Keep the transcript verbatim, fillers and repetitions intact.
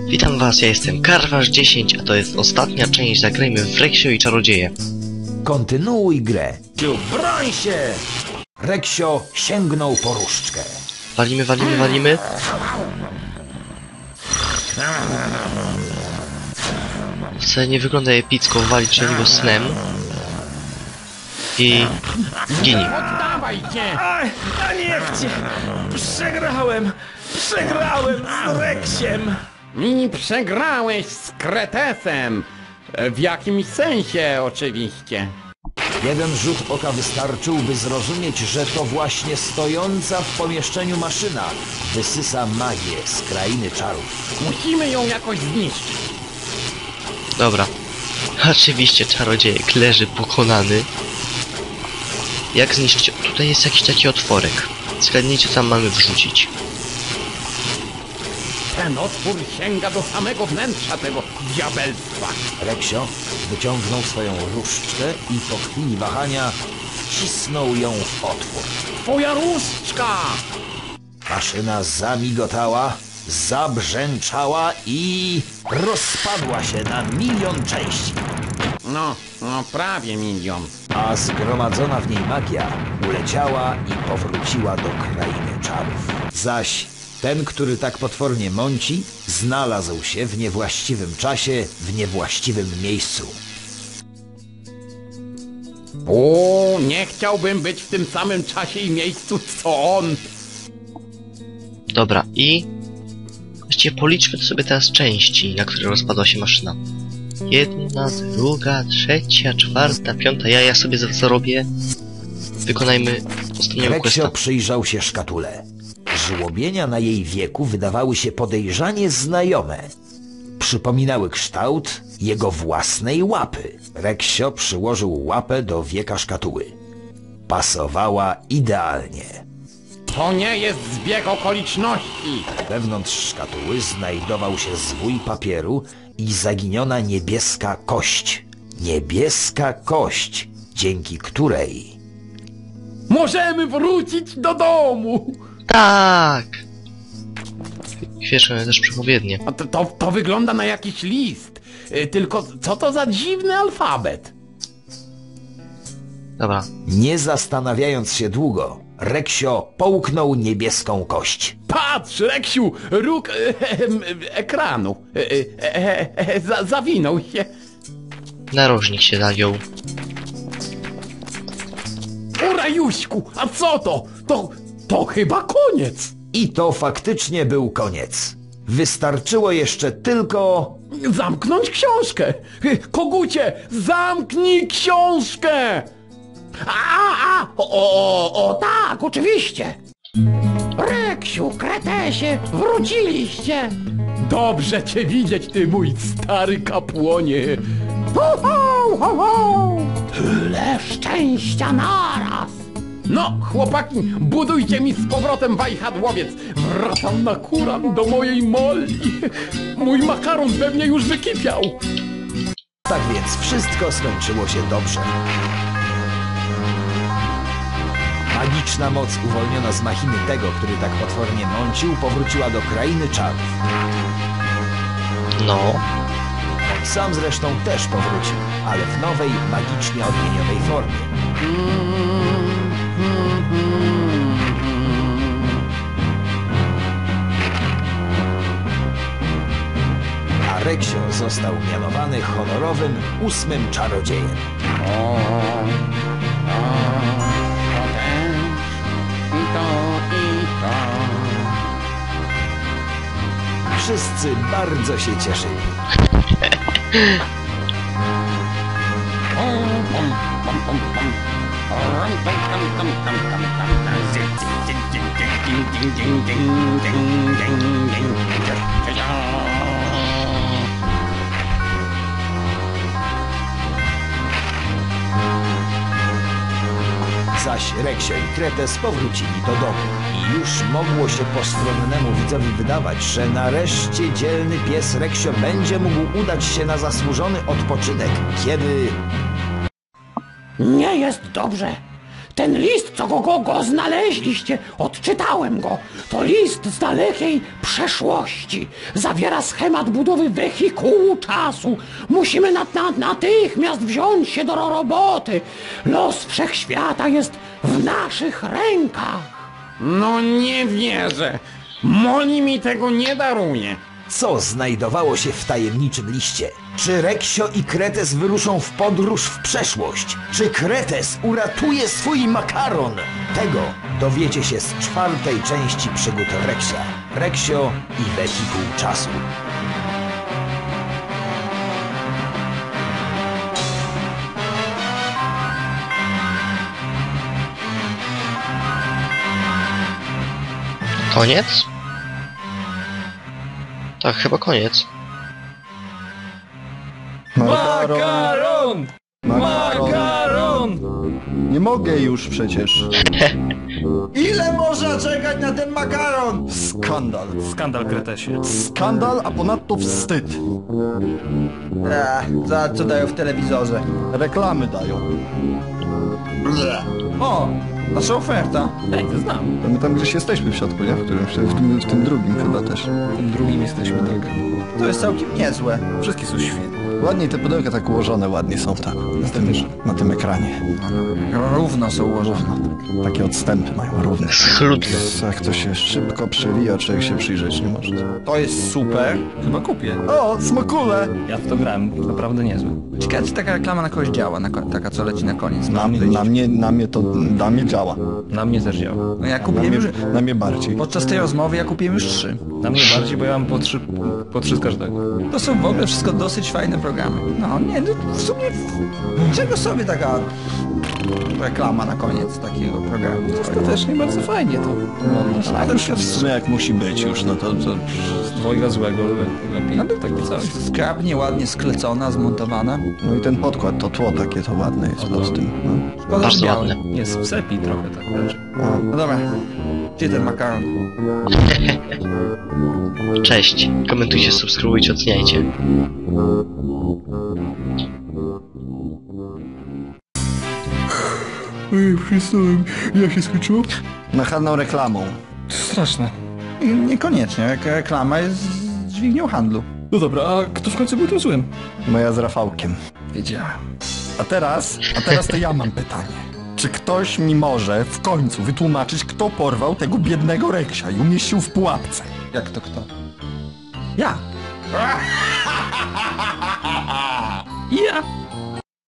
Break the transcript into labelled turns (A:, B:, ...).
A: Witam was, ja jestem Karwasz dziesięć, a to jest ostatnia część Zagrajmy w Reksio i Czarodzieje.
B: Kontynuuj grę. Broń się! Reksio sięgnął po różdżkę.
A: Walimy, walimy, walimy. Wcale nie wygląda epicko walić na niego snem. I... ginie.
C: Oddawajcie! A, a niech cię! Przegrałem! Przegrałem z Reksiem!
D: I przegrałeś z Kretesem! W jakimś sensie oczywiście.
B: Jeden rzut oka wystarczył, by zrozumieć, że to właśnie stojąca w pomieszczeniu maszyna wysysa magię z krainy czarów.
D: Musimy ją jakoś zniszczyć.
A: Dobra. Oczywiście czarodziejek leży pokonany. Jak zniszczyć? Tutaj jest jakiś taki otworek. Zgadnijcie, co tam mamy wrzucić.
D: Ten otwór sięga do samego wnętrza tego diabelstwa.
B: Reksio wyciągnął swoją różdżkę i po chwili wahania wcisnął ją w otwór.
D: Twoja różdżka!
B: Maszyna zamigotała, zabrzęczała i rozpadła się na milion części.
D: No, no prawie milion.
B: A zgromadzona w niej magia uleciała i powróciła do krainy czarów. Zaś ten, który tak potwornie mąci, znalazł się w niewłaściwym czasie, w niewłaściwym miejscu.
D: O, nie chciałbym być w tym samym czasie i miejscu, co on.
A: Dobra, i... Właściwie policzmy sobie teraz części, na które rozpadła się maszyna. Jedna, druga, trzecia, czwarta, piąta. Ja, ja sobie zarobię. Wykonajmy ostatniego
B: Reksio
A: questa.
B: przyjrzał się szkatule. Żłobienia na jej wieku wydawały się podejrzanie znajome. Przypominały kształt jego własnej łapy. Reksio przyłożył łapę do wieka szkatuły. Pasowała idealnie.
D: To nie jest zbieg okoliczności.
B: Wewnątrz szkatuły znajdował się zwój papieru i zaginiona niebieska kość. Niebieska kość, dzięki której...
D: Możemy wrócić do domu.
A: Tak! Świeczmy też przepowiednie.
D: A to, to, to wygląda na jakiś list. Y, Tylko co to za dziwny alfabet?
A: Dobra.
B: Nie zastanawiając się długo, Reksio połknął niebieską kość.
D: Patrz, Reksiu, róg e, e, ekranu. E, e, e, za, zawinął się.
A: Narożnik się zagiął.
D: O Rajuśku, a co to? To, to chyba koniec.
B: I to faktycznie był koniec. Wystarczyło jeszcze tylko...
D: Zamknąć książkę. Kogucie, zamknij książkę. A, a, o, o, o, tak, oczywiście. Reksiu, Kretesie, wróciliście. Dobrze cię widzieć, ty mój stary kapłonie. Ho, ho, ho, ho. Tyle szczęścia naraz. No, chłopaki, budujcie mi z powrotem wajchadłowiec. Wracam na kuran do mojej Molli. Mój makaron pewnie już wykipiał.
B: Tak więc wszystko skończyło się dobrze. Magiczna moc uwolniona z machiny tego, który tak potwornie mącił, powróciła do krainy czarów.
A: No.
B: On sam zresztą też powrócił, ale w nowej, magicznie odmienionej formie. A Reksio został mianowany honorowym ósmym czarodziejem.
D: O, o, to też, i to, i to.
B: Wszyscy bardzo się cieszyli. Zaś Reksio i Kretes powrócili do domu i już mogło się postronnemu widzowi wydawać, że nareszcie dzielny pies Reksio będzie mógł udać się na zasłużony odpoczynek, kiedy...
D: Nie jest dobrze. Ten list, co go, go, go znaleźliście, odczytałem go. To list z dalekiej przeszłości. Zawiera schemat budowy wehikułu czasu. Musimy nat, nat, natychmiast wziąć się do roboty. Los wszechświata jest w naszych rękach.
E: No nie wierzę. Moli mi tego nie daruje.
B: Co znajdowało się w tajemniczym liście? Czy Reksio i Kretes wyruszą w podróż w przeszłość? Czy Kretes uratuje swój makaron? Tego dowiecie się z czwartej części przygód Reksia. Reksio i wehikuł czasu.
A: Koniec? Tak, chyba koniec.
C: Makaron! Makaron!
F: Nie mogę już przecież.
G: Ile można czekać na ten makaron?
F: Skandal.
C: Skandal, Kretesie.
F: Skandal, a ponadto wstyd.
G: Eee, za co dają w telewizorze?
F: Reklamy dają.
G: Ble. O, nasza oferta.
C: Ej, to znam.
F: To my tam gdzieś jesteśmy w środku, nie? W którymś, w tym, w tym drugim chyba też.
C: W tym drugim jesteśmy, tak.
G: To jest całkiem niezłe.
C: Wszystkie są świetne.
F: Ładnie te pudełka tak ułożone, ładnie są tak. Na tym, na tym ekranie.
G: Równo są ułożone.
F: Takie odstępy mają równe.
A: Schludne.
F: Jak to się szybko przewija, człowiek się przyjrzeć nie może.
G: To jest super.
C: Chyba kupię.
F: O, smokule!
C: Ja w to grałem, naprawdę niezły.
G: Ciekawe, czy taka reklama na kogoś działa, na ko- taka co leci na koniec.
F: Na,
G: Mam
F: na, mnie, na mnie to, na mnie działa.
C: Na mnie też działa.
G: No ja
F: Na
G: kupiłem
F: mnie,
G: już...
F: na mnie bardziej.
G: Podczas tej rozmowy ja kupiłem już trzy.
C: Na mnie bardziej, bo ja mam po trzy, po trzy z każdego.
G: To są w ogóle wszystko dosyć fajne programy. No nie, no w sumie... Czego sobie taka reklama na koniec takiego programu?
C: Ostatecznie bardzo fajnie to. No,
F: A to już w sumie jak musi być już, no to... to...
C: z dwojga złego le- lepiej. No, taki coś.
G: Skrabnie, ładnie sklecona, zmontowana.
F: No i ten podkład, to tło takie to ładne jest pod tym. No.
G: Szkoda, że
A: Bardzo
G: białe.
A: ładne.
C: Jest w sepi trochę tak leży.
G: No dobra. Gdzie ten makaron?
A: Cześć. Komentujcie, subskrybujcie, oceniajcie.
F: Ej, przestałem. Jak się skończyło? Nachalną reklamą.
C: Straszne.
G: Nie- Niekoniecznie, jak reklama jest dźwignią handlu.
C: No dobra, a kto w końcu był tym złym?
F: Moja z Rafałkiem.
C: Wiedziałem.
F: A teraz, a teraz to ja mam pytanie. Czy ktoś mi może w końcu wytłumaczyć, kto porwał tego biednego Reksia i umieścił w pułapce?
G: Jak to kto? Ja!
C: Ja!